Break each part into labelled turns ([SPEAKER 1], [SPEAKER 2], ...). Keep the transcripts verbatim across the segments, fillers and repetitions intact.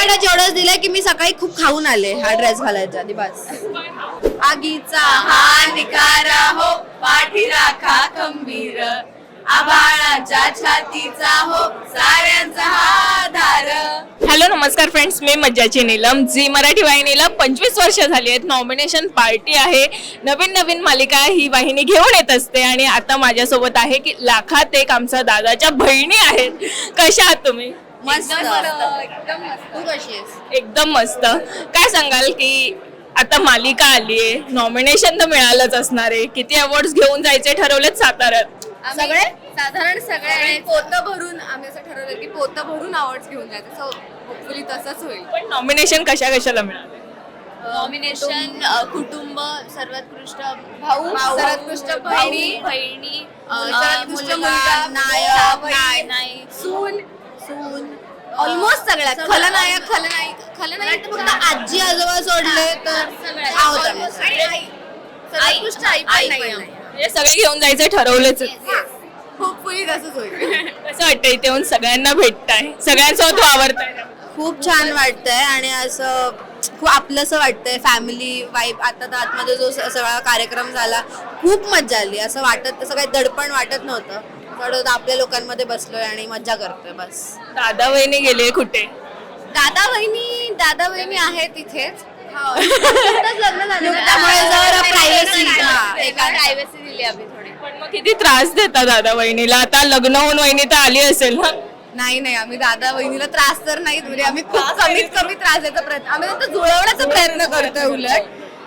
[SPEAKER 1] मिनिटात एवढंच दिलंय की मी सकाळी खूप खाऊन आले हा ड्रेस घालायच्या आधी बस. आगीचा हा निकारा हो पाठी राखा खंबीर आभाळाच्या छातीचा हो साऱ्यांचा हा धार.
[SPEAKER 2] हॅलो नमस्कार फ्रेंड्स, मी मज्जाची नीलम. झी मराठी वाहिनीला पंचवीस वर्ष झाली आहेत. नॉमिनेशन पार्टी आहे, नवीन नवीन मालिका ही वाहिनी घेऊन येत असते आणि आता माझ्यासोबत आहे की लाखात एक आमच्या दादाच्या बहिणी आहेत. कशा आहात तुम्ही?
[SPEAKER 1] मस्त
[SPEAKER 3] एकदम मस्त.
[SPEAKER 1] तू कशी आहेस?
[SPEAKER 2] एकदम मस्त. काय सांगाल की आता मालिका आली आहे, नॉमिनेशन तर मिळालंच असणार आहे. किती अवॉर्ड्स घेऊन जायचे ठरवलेत साताऱ्यात?
[SPEAKER 3] सगळे साधारण सगळे पोतं भरून आम्ही असं ठरवलं की पोतं भरून अवॉर्ड्स घेऊन जायचं. सो होपफुली तसंच होईल.
[SPEAKER 2] पण नॉमिनेशन कशा कशाला मिळाले?
[SPEAKER 3] नॉमिनेशन कुटुंब, सर्वोत्कृष्ट भाऊ,
[SPEAKER 1] भाऊ,
[SPEAKER 3] सर्वोत्कृष्ट बहिणी, बहिणी,
[SPEAKER 1] सर्वोत्कृष्ट मुलगा, नायक,
[SPEAKER 3] नायक, सून, सून, ऑलमोस्ट सगळ्या खलनायक, खलनायक, खलनायक तर फक्त
[SPEAKER 1] आजी आजोबा सोडले तर
[SPEAKER 3] सगळ्या
[SPEAKER 1] आहोत आम्ही.
[SPEAKER 3] आणि आई, सर्वोत्कृष्ट आई पण नाही आहे.
[SPEAKER 2] हे सगळे घेऊन जायचे ठरवलेच.
[SPEAKER 3] होपफुली तसंच होईल.
[SPEAKER 2] कसं वाटतं इथे येऊन सगळ्यांना भेटताय, सगळ्यांसोबत वावरताय?
[SPEAKER 1] खूप छान वाटतंय आणि असं खूप आपलंसं वाटतंय. फॅमिली वाईब आता तर आतमध्ये जो स- सगळा कार्यक्रम झाला खूप मजा आली. असं वाटत तसं काही दडपण वाटत नव्हतं. असं वाटत होतं आपल्या लोकांमध्ये बसलोय आणि मजा करतोय बस.
[SPEAKER 2] दादा वहिनी गेले कुठे?
[SPEAKER 3] दादा वहिनी दादा वहिनी आहेत इथेच. लग्न झालं ना.
[SPEAKER 1] त्यामुळे जरा privacy, हा.
[SPEAKER 3] एका प्रायव्हसी दिली आम्ही थोडी.
[SPEAKER 2] पण मग किती त्रास देता दादा वहिनीला? आता लग्न होऊन वहिनी तर आली असेल ना?
[SPEAKER 3] नाही नाही आम्ही दादा वहिनीला त्रास तर नाही दिले. आम्ही खूप कमीत कमी त्रास द्यायचा प्रयत्न आम्ही फक्त जुळवण्याचा प्रयत्न करतोय. उलट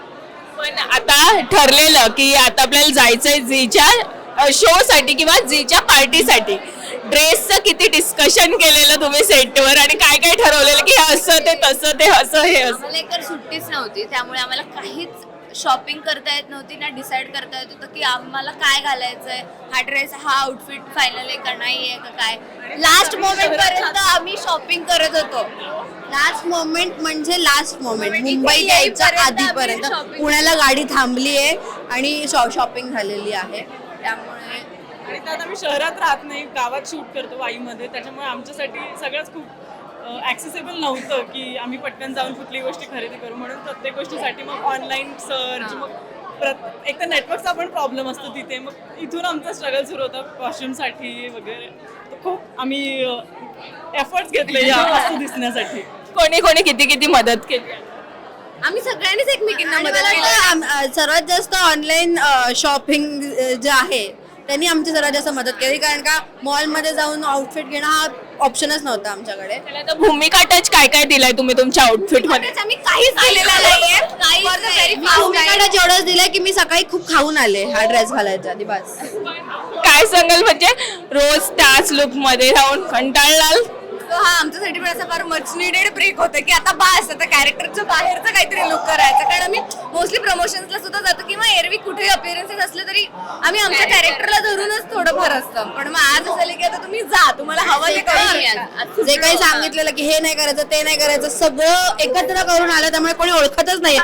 [SPEAKER 2] पण आता ठरलेलं की आता आपल्याला जायचंय झीच्या शो साठी किंवा झीच्या पार्टीसाठी. ड्रेसचं किती डिस्कशन केलेलं तुम्ही सेटवर आणि काय काय ठरवलेलं की हे असं ते तसं ते असं हे असं?
[SPEAKER 3] आम्हाला एक तर सुट्टीच नव्हती, त्यामुळे आम्हाला काहीच शॉपिंग करता येत नव्हती ना डिसाईड करता येत होतं की आम्हाला काय घालायचंय. हा ड्रेस हा आउटफिट फायनल आहे का नाही आहे का काय. लास्ट मोमेंट पर्यंत आम्ही शॉपिंग करत होतो.
[SPEAKER 1] लास्ट मोमेंट म्हणजे लास्ट मोमेंट.
[SPEAKER 3] इथे
[SPEAKER 1] मुंबई यायच्या
[SPEAKER 3] येईपर्यंत आम्ही
[SPEAKER 1] आधीपर्यंत
[SPEAKER 3] shopping
[SPEAKER 1] पुण्याला गाडी थांबली आहे आणि शॉपिंग झालेली आहे. त्यामुळे
[SPEAKER 4] आणि त्यात आम्ही शहरात राहत नाही, गावात शूट करतो वाईमध्ये. त्याच्यामुळे आमच्यासाठी सगळंच खूप ॲक्सेसिबल नव्हतं की आम्ही पटकन जाऊन कुठली गोष्टी खरेदी करू. म्हणून प्रत्येक गोष्टीसाठी मग ऑनलाईन सर्च, मग प्रत एक तर नेटवर्कचा पण प्रॉब्लेम असतो तिथे. मग इथून आमचा स्ट्रगल सुरू होता कॉस्ट्युमसाठी वगैरे. तर खूप आम्ही एफर्ट्स घेतले या वस्तू दिसण्यासाठी.
[SPEAKER 2] कोणी कोणी किती किती मदत केली?
[SPEAKER 3] आम्ही सगळ्यांनीच एकमेकींना
[SPEAKER 1] आणि
[SPEAKER 3] मदत
[SPEAKER 1] मला
[SPEAKER 3] केली.
[SPEAKER 1] वाटतं आम- अ, सर्वात जास्त ऑनलाईन शॉपिंग जे आहे त्यांनी आमची सर्वात जास्त मदत केली. कारण का मॉलमध्ये जाऊन आउटफिट घेणं हा ऑप्शनच नव्हता आमच्याकडे.
[SPEAKER 2] त्याला तर भूमिका टच काय काय दिलाय तुम्ही तुमच्या आउटफिट मध्ये?
[SPEAKER 3] आम्ही काहीच दिलेलं नाहीये. काहीच नाही.
[SPEAKER 1] मी भूमिकाला एवढंच दिलंय की मी सकाळी खूप खाऊन आले हा ड्रेस घालायच्या आधी बस.
[SPEAKER 2] काय सांगाल म्हणजे रोज त्याच लुक मध्ये राहून कंटाळलाल?
[SPEAKER 3] So हा आमच्यासाठी पण असं फार मच निडेड ब्रेक होतं की आता बास, आता कॅरेक्टरच्या बाहेरचं काहीतरी लुक करायचं. कारण आम्ही मोस्टली प्रमोशन्सला सुद्धा जातो किंवा एरवी कुठेही अपिअरन्सेस असले तरी आम्ही आमच्या कॅरेक्टरला धरूनच थोडंफार असतं. पण मग आज असं झालं की आता तुम्ही जा, तुम्हाला हवं ते करू शकता.
[SPEAKER 1] जे काही सांगितलेलं की हे नाही करायचं ते नाही करायचं सगळं एकत्र करून आलं. त्यामुळे कोणी ओळखतच नाही.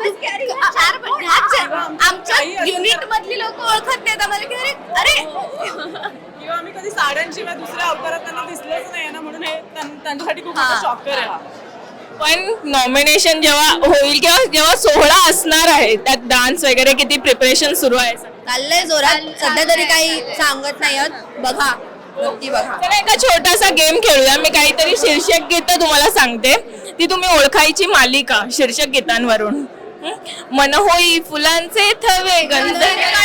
[SPEAKER 3] चार पण ह्याच चार. आमच्या युनिट मधली लोक ओळखत नाहीत आम्हाला की अरे अरे
[SPEAKER 4] किंवा आम्ही कधी साड्यांशिवाय दुसऱ्या अवतारात त्यांना दिसलंच नाही ना, म्हणून हे त्यां- त्यांच्यासाठी खूप मोठा शॉकर आहे हा.
[SPEAKER 2] पण नॉमिनेशन जेव्हा होईल किंवा जेव्हा सोहळा असणार आहे त्यात डान्स वगैरे किती प्रिपरेशन सुरू आहे?
[SPEAKER 1] चाललंय जोरात. सध्या तरी काही सांगत नाही आहोत. बघा नक्की बघा.
[SPEAKER 2] चला एका छोटासा गेम खेळूया. मी काहीतरी शीर्षक गीतं तुम्हाला सांगते, ती तुम्ही ओळखायची मालिका शीर्षक गीतांवरून. हं? मन होई फुलांचे थवे गंध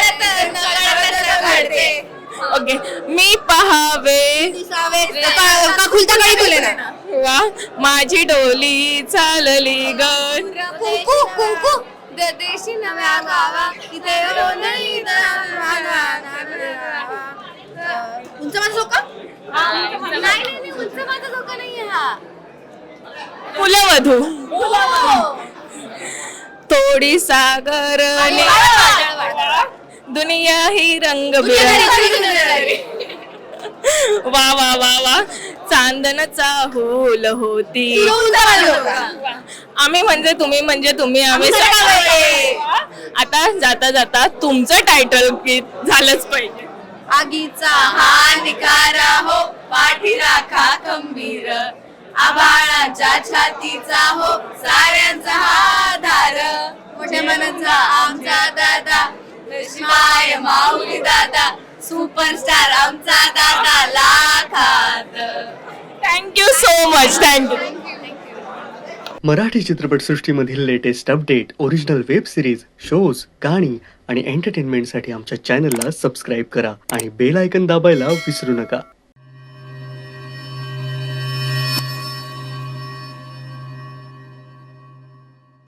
[SPEAKER 2] ओके. मी पहावे
[SPEAKER 1] दिसावे का का खुलता काळी फुले ना.
[SPEAKER 2] वा माझी डोली चालली ग.
[SPEAKER 3] कुंकू कुंकू द- देशी नव्या गावा इथे गोंधळी
[SPEAKER 1] तुमचं माझं झोका
[SPEAKER 3] नाही नाही नाही, उंच माझा धोका नाहीये हा.
[SPEAKER 2] कुलवधू थोडी सागर दुनिया ही रंग वा वा वा वा चांदन चाहूल होती. आम्ही म्हणजे तुम्ही म्हणजे तुम्ही आम्ही सगळे. आता जाता जाता तुमचं टायटल गीत झालंच पाहिजे.
[SPEAKER 1] आगीचा हा निकारा हो पाठी राखा खंबीर आभाळाच्या छातीचा हो साऱ्यांचा हा धार मोठ्या मनाचा आमचा दादा शिवाय माऊली दादा सुपरस्टार आमचा दादा लाखात.
[SPEAKER 2] Thank you so much. Thank you.
[SPEAKER 5] Marathi चित्रपटसृष्टीमधील latest update, original web series, shows, गाणी आणि एंटरटेनमेंटसाठी आमच्या चॅनलला सबस्क्राईब करा आणि बेल आयकन दाबायला विसरू नका.